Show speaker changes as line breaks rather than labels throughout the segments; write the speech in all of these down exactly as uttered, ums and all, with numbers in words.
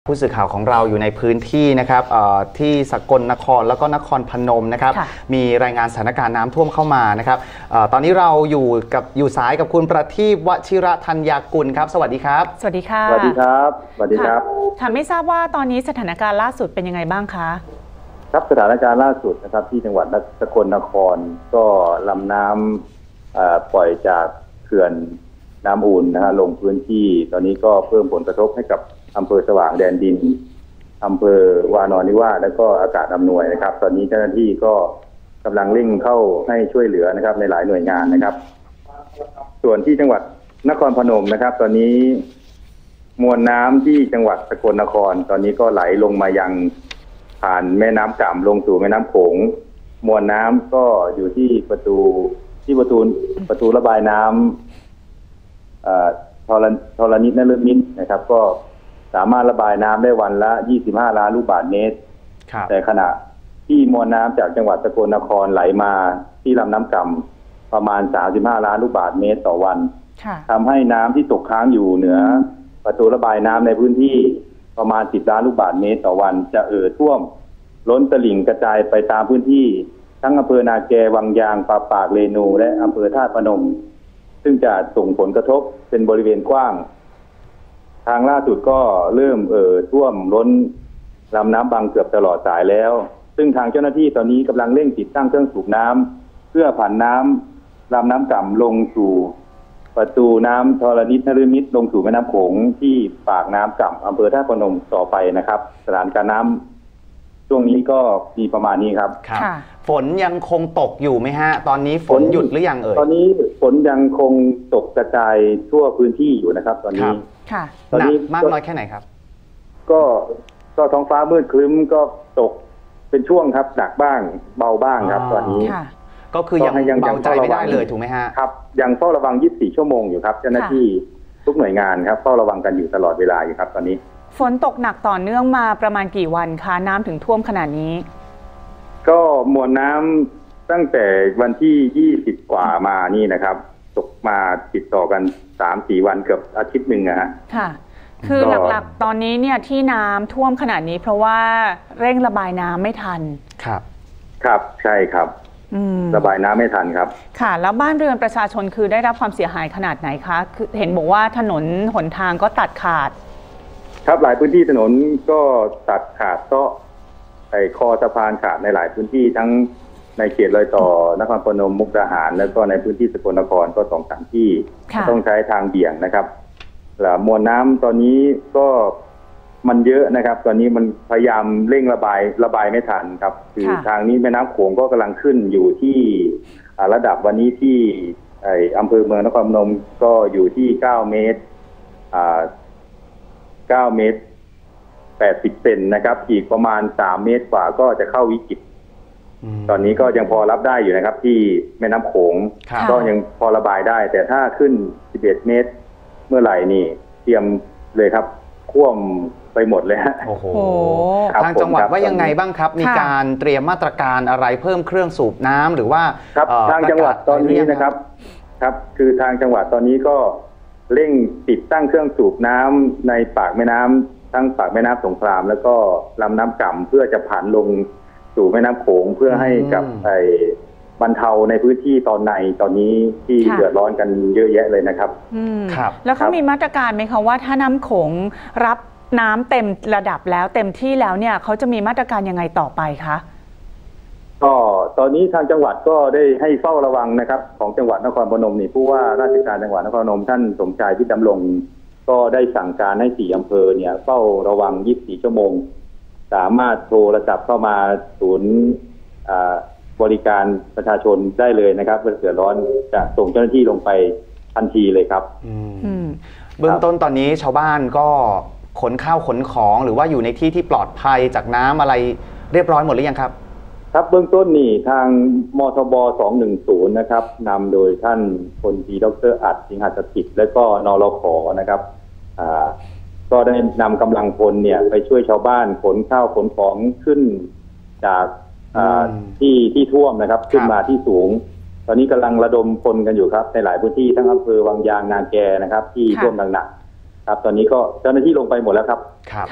ผู้สื่อข่าวของเราอยู่ในพื้นที่นะครับที่สกลนครแล้วก็นครพนมนะครับมีรายงานสถานการณ์น้ำท่วมเข้ามานะครับตอนนี้เราอยู่กับอยู่สายกับคุณประทีป วชิระธัญญากุลครับสวัสดีครับ
สวัสดีค่ะ
สวัสดีครับสวัสดีครับ
ค่ะไม่ทราบว่าตอนนี้สถานการณ์ล่าสุดเป็นยังไงบ้างคะ
ครับสถานการณ์ล่าสุดนะครับที่จังหวัดสกลนครก็ลำน้ำปล่อยจากเขื่อนน้ำอู่นนะฮะลงพื้นที่ตอนนี้ก็เพิ่มผลกระทบให้กับอำเภอสว่างแดนดินอำเภอวานอนนิวาสและก็อากาศอำนวยนะครับตอนนี้เจ้าหน้าที่ก็กำลังเร่งเข้าให้ช่วยเหลือนะครับในหลายหน่วยงานนะครับส่วนที่จังหวัดนครพนมนะครับตอนนี้มวลน้ำที่จังหวัดสกลนครตอนนี้ก็ไหลลงมายังผ่านแม่น้ำก่ำลงสู่แม่น้ำโขงมวลน้ำก็อยู่ที่ประตูที่ประตูประตูระบายน้ำทรทรณิตนฤมิตนะครับก็สามารถระบายน้ำได้วันละยี่สิบห้าล้านลูกบาศก์เมตรแต่ขณะที่มวลน้ำจากจังหวัดสกลนครไหลมาที่ลำน้ำก่ำประมาณสามสิบห้าล้านลูกบาศก์เมตรต่อวันทำให้น้ำที่ตกค้างอยู่เหนือประตูระบายน้ำในพื้นที่ประมาณสิบล้านลูกบาศก์เมตรต่อวันจะเอ่อท่วมล้นตลิ่งกระจายไปตามพื้นที่ทั้งอำเภอนาแกวังยางปาปากเรนูและอำเภอธาตุพนมซึ่งจะส่งผลกระทบเป็นบริเวณกว้างทางล่าสุดก็เริ่มเอ่อท่วมล้นลำน้ำบางเกือบตลอดสายแล้วซึ่งทางเจ้าหน้าที่ตอนนี้กำลังเร่งติดตั้งเครื่องสูบน้ำเพื่อผ่านน้ำลำน้ำก่ำลงสู่ประตูน้ำธรณิตนฤมิตลงสู่แม่น้ำโขงที่ปากน้ำก่ำอำเภอท่าตุพนมต่อไปนะครับสถานการณ์น้ำช่วงนี้ก็มีประมาณนี้ครับ
ฝนยังคงตกอยู่ไหมฮะตอนนี้ฝนหยุดหรือยังเอ่ย
ตอนนี้ฝนยังคงตกกระจายทั่วพื้นที่อยู่นะครับตอนนี้
ค่ะ
ตอนนี้มากน้อยแค่ไหนครับ
ก็ก็ท้องฟ้ามืดครึ้มก็ตกเป็นช่วงครับหนักบ้างเบาบ้างครับตอนนี้
ก็คือยังเบาใจไม่ได้เลยถูกไหมฮะ
ครับยังเฝ้าระวังยี่สิบสี่ชั่วโมงอยู่ครับเจ้าหน้าที่ทุกหน่วยงานครับเฝ้าระวังกันอยู่ตลอดเวลาอยู่ครับตอนนี้
ฝนตกหนักต่อเนื่องมาประมาณกี่วันคะน้ำถึงท่วมขนาดนี้
ก็มวลน้ำตั้งแต่วันที่ยี่สิบกว่ามานี่นะครับตกมาติดต่อกันสามสี่วันเกือบอาทิตย์หนึ่งนะฮะ
ค่ะคือหลักๆตอนนี้เนี่ยที่น้ำท่วมขนาดนี้เพราะว่าเร่งระบายน้ำไม่ทัน
ครับ
ครับใช่ครับระบายน้ำไม่ทันครับ
ค่ะแล้วบ้านเรือนประชาชนคือได้รับความเสียหายขนาดไหนคะคือเห็นบอกว่าถนนหนทางก็ตัดขาด
ครับหลายพื้นที่ถนนก็ตัดขาดก็ไอ้คอสะพานขาดในหลายพื้นที่ทั้งในเขตรอยต่อนครพนมมุกดาหารแล้วก็ในพื้นที่สกลนครก็สองสามที่ต้องใช้ทางเบี่ยงนะครับแล้วมวลน้ำตอนนี้ก็มันเยอะนะครับตอนนี้มันพยายามเร่งระบายระบายไม่ทันครับคือทางนี้แม่น้ำโขงก็กำลังขึ้นอยู่ที่ระดับวันนี้ที่ไอ้อำเภอเมืองนครพนมก็อยู่ที่เก้าเมตรอ่าเก้าเมตรแปดสิบเซนนะครับอีกประมาณสามเมตรกว่าก็จะเข้าวิกฤตตอนนี้ก็ยังพอรับได้อยู่นะครับที่แม่น้ำโขงก็ยังพอระบายได้แต่ถ้าขึ้นสิบเอ็ดเมตรเมื่อไหร่นี่เตรียมเลยครับท่วมไปหมดเลยฮะ
โอ้โหทางจังหวัดว่ายังไงบ้างครับมีการเตรียมมาตรการอะไรเพิ่มเครื่องสูบน้ำหรือว่า
ครับทางจังหวัดตอนนี้นะครับครับคือทางจังหวัดตอนนี้ก็เร่งติดตั้งเครื่องสูบน้ำในปากแม่น้ำทั้งปากแม่น้ำสงขลามแล้วก็ลำน้ำก่ำเพื่อจะผ่านลงสู่แม่น้ำโขงเพื่อให้กับไอ้บรรเทาในพื้นที่ตอนในตอนนี้ที่เดือดร้อนกันเยอะแยะเลยนะครับ
ครับแล้วเขามีมาตรการไหมคะว่าถ้าน้ำโขงรับน้ำเต็มระดับแล้วเต็มที่แล้วเนี่ยเขาจะมีมาตรการยังไงต่อไปคะ
ก็ตอนนี้ทางจังหวัดก็ได้ให้เฝ้าระวังนะครับของจังหวัดนครพนมนี่ผู้ว่าราชการจังหวัดนครพนมท่านสมชายพิดำรงก็ได้สั่งการให้สี่อำเภอเนี่ยเฝ้าระวังยี่สิบสี่ชั่วโมงสามารถโทรศัพท์เข้ามาศูนย์บริการประชาชนได้เลยนะครับเมื่อเดือดร้อนจะส่งเจ้าหน้าที่ลงไปทันทีเลยครับ
เบื้องต้นตอนนี้ชาวบ้านก็ขนข้าวขนของหรือว่าอยู่ในที่ที่ปลอดภัยจากน้ำอะไรเรียบร้อยหมดหรือยังครับ
ครับเบื้องต้นนี่ทางมทบสองหนึ่งศูนย์นะครับนำโดยท่านพลตรีดร.อัดสิงหสถิตและก็นรข.นะครับก็ได้นำกำลังพลเนี่ยไปช่วยชาวบ้านขนข้าวขนของขึ้นจากที่ที่ท่วมนะครับขึ้นมาที่สูงตอนนี้กำลังระดมพลกันอยู่ครับในหลายพื้นที่ทั้งอำเภอวังยางนาแกนะครับที่ท่วมหนักๆครับตอนนี้ก็เจ้าหน้าที่ลงไปหมดแล้วครับ
ค่ะ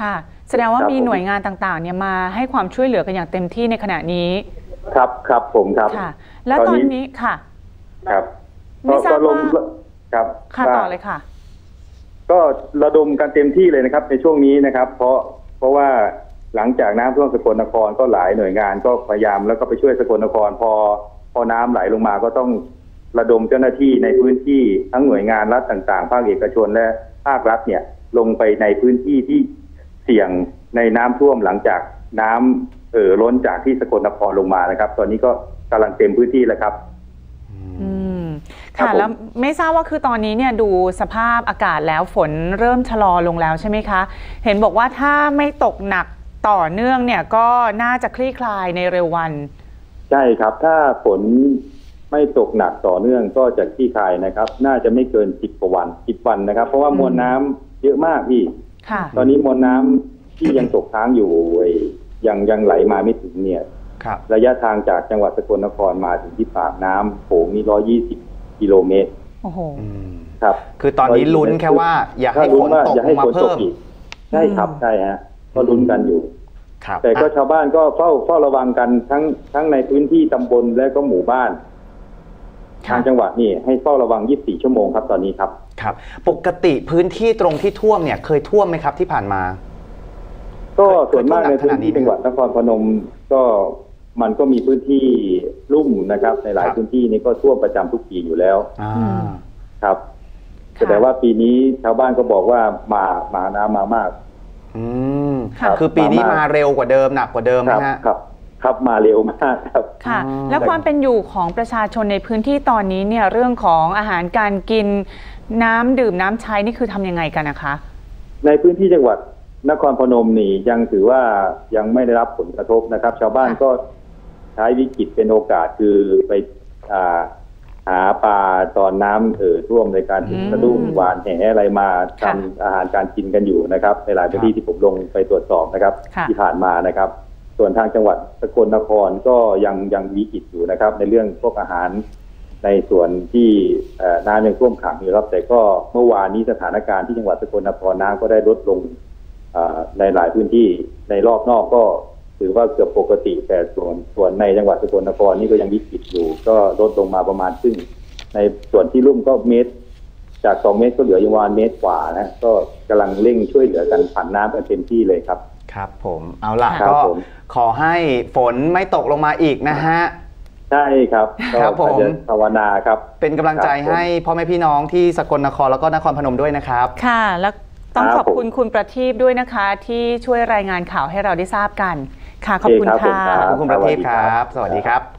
แสดงว่ามีหน่วยงานต่างๆเนี่ยมาให้ความช่วยเหลือกันอย่างเต็มที่ในขณะนี้
ครับครับผมครับ
ค่ะแล้วตอนนี้ค่ะ
ครับ
ไม่ทราบว่า
ครับ
ค่ะต่อเลยค่ะ
ก็ระดมกันเต็มที่เลยนะครับในช่วงนี้นะครับเพราะเพราะว่าหลังจากน้ำท่วมสกลนครก็หลายหน่วยงานก็พยายามแล้วก็ไปช่วยสกลนครพอพอน้ำไหลลงมาก็ต้องระดมเจ้าหน้าที่ในพื้นที่ทั้งหน่วยงานรัฐต่างๆภาคเอกชนและภาครัฐเนี่ยลงไปในพื้นที่ที่เสี่ยงในน้ำท่วมหลังจากน้ำเอ่อล้นจากที่สกลนครลงมานะครับตอนนี้ก็กำลังเต็มพื้นที่แล้วครับ
อืมค่ะแล้วไม่ทราบว่าคือตอนนี้เนี่ยดูสภาพอากาศแล้วฝนเริ่มชะลอลงแล้วใช่ไหมคะเห็นบอกว่าถ้าไม่ตกหนักต่อเนื่องเนี่ยก็น่าจะคลี่คลายในเร็ววัน
ใช่ครับถ้าฝนไม่ตกหนักต่อเนื่องก็จะคลี่คลายนะครับน่าจะไม่เกินสิบกว่าวันสิบวันนะครับเพราะว่ามวลน้ำเยอะมากพี่ตอนนี้มวลน้ำที่ยังตกค้างอยู่ยังยังไหลมาไม่ถึงเนี่ยระยะทางจากจังหวัดสกลนครมาถึงที่ปากน้ำโขงนี่ร้อยยี่สิบกิโลเมตร
โอ้โห
ครับ
คือตอนนี้ลุ้นแค่ว่าอย่าให้ฝนตกมาเพิ่ม
ใช่ครับใช่ฮะก็ลุ้นกันอยู่แต่ก็ชาวบ้านก็เฝ้าเฝ้าระวังกันทั้งทั้งในพื้นที่ตำบลและก็หมู่บ้านทางจังหวัดนี่ให้เฝ้าระวังยี่สิบสี่ชั่วโมงครับตอนนี้ครับ
ครับปกติพื้นที่ตรงที่ท่วมเนี่ยเคยท่วมไหมครับที่ผ่านมา
ก็ส่วนมากในพื้นที่จังหวัดนครพนมก็มันก็มีพื้นที่ลุ่มนะครับในหลายพื้นที่นี้ก็ท่วมประจำทุกปีอยู่แล้วครับแต่ว่าปีนี้ชาวบ้านก็บอกว่ามามาน้ำมามาก
อืมคือปีนี้มาเร็วกว่าเดิมหนักกว่าเดิมนะฮะ
ครับครับมาเร็วมากครับ
ค่ะแล้วความเป็นอยู่ของประชาชนในพื้นที่ตอนนี้เนี่ยเรื่องของอาหารการกินน้ำดื่มน้ำใช้นี่คือทำยังไงกันนะคะ
ในพื้นที่จังหวัดนครพนมนี่ยังถือว่ายังไม่ได้รับผลกระทบนะครับชาวบ้านก็ใช้วิกฤตเป็นโอกาสคือไปหาปลาตอนน้ำเอ่อท่วมในการถึงกระดุ้งหวานแหอะไรมาทำอาหารการกินกันอยู่นะครับในหลายพื้นที่ที่ผมลงไปตรวจสอบนะครับที่ผ่านมานะครับส่วนทางจังหวัดสกลนครก็ยังยังวิกฤตอยู่นะครับในเรื่องพวกอาหารในส่วนที่น้ำยังท่วมขังอยู่ครับแต่ก็เมื่อวานนี้สถานการณ์ที่จังหวัดสกลนครน้ำก็ได้ลดลงในหลายพื้นที่ในรอบนอกก็ถือว่าเกือบปกติแต่ส่วนส่วนในจังหวัดสกลนครนี่ก็ยังวิกฤตอยู่ก็ลดลงมาประมาณครึ่งในส่วนที่ลุ่มก็เมตรจากสองเมตรก็เหลืออยู่ประมาณเมตรกว่านะก็กำลังเร่งช่วยเหลือกันผ่านน้ำกันเต็มที่เลยครับ
ครับผมเอาล่ะก็ขอให้ฝนไม่ตกลงมาอีกนะฮะ
ใช่ครับ
ครับผม
ภาวนาครับ
เป็นกำลังใจให้พ่อแม่พี่น้องที่สกลนครแล้วก็นครพนมด้วยนะครับ
ค่ะแล้วต้องขอบคุณคุณประทีปด้วยนะคะที่ช่วยรายงานข่าวให้เราได้ทราบกันค่ะขอบคุณค่ะ
ขอบคุณคุณประทีปครับสวัสดีครับ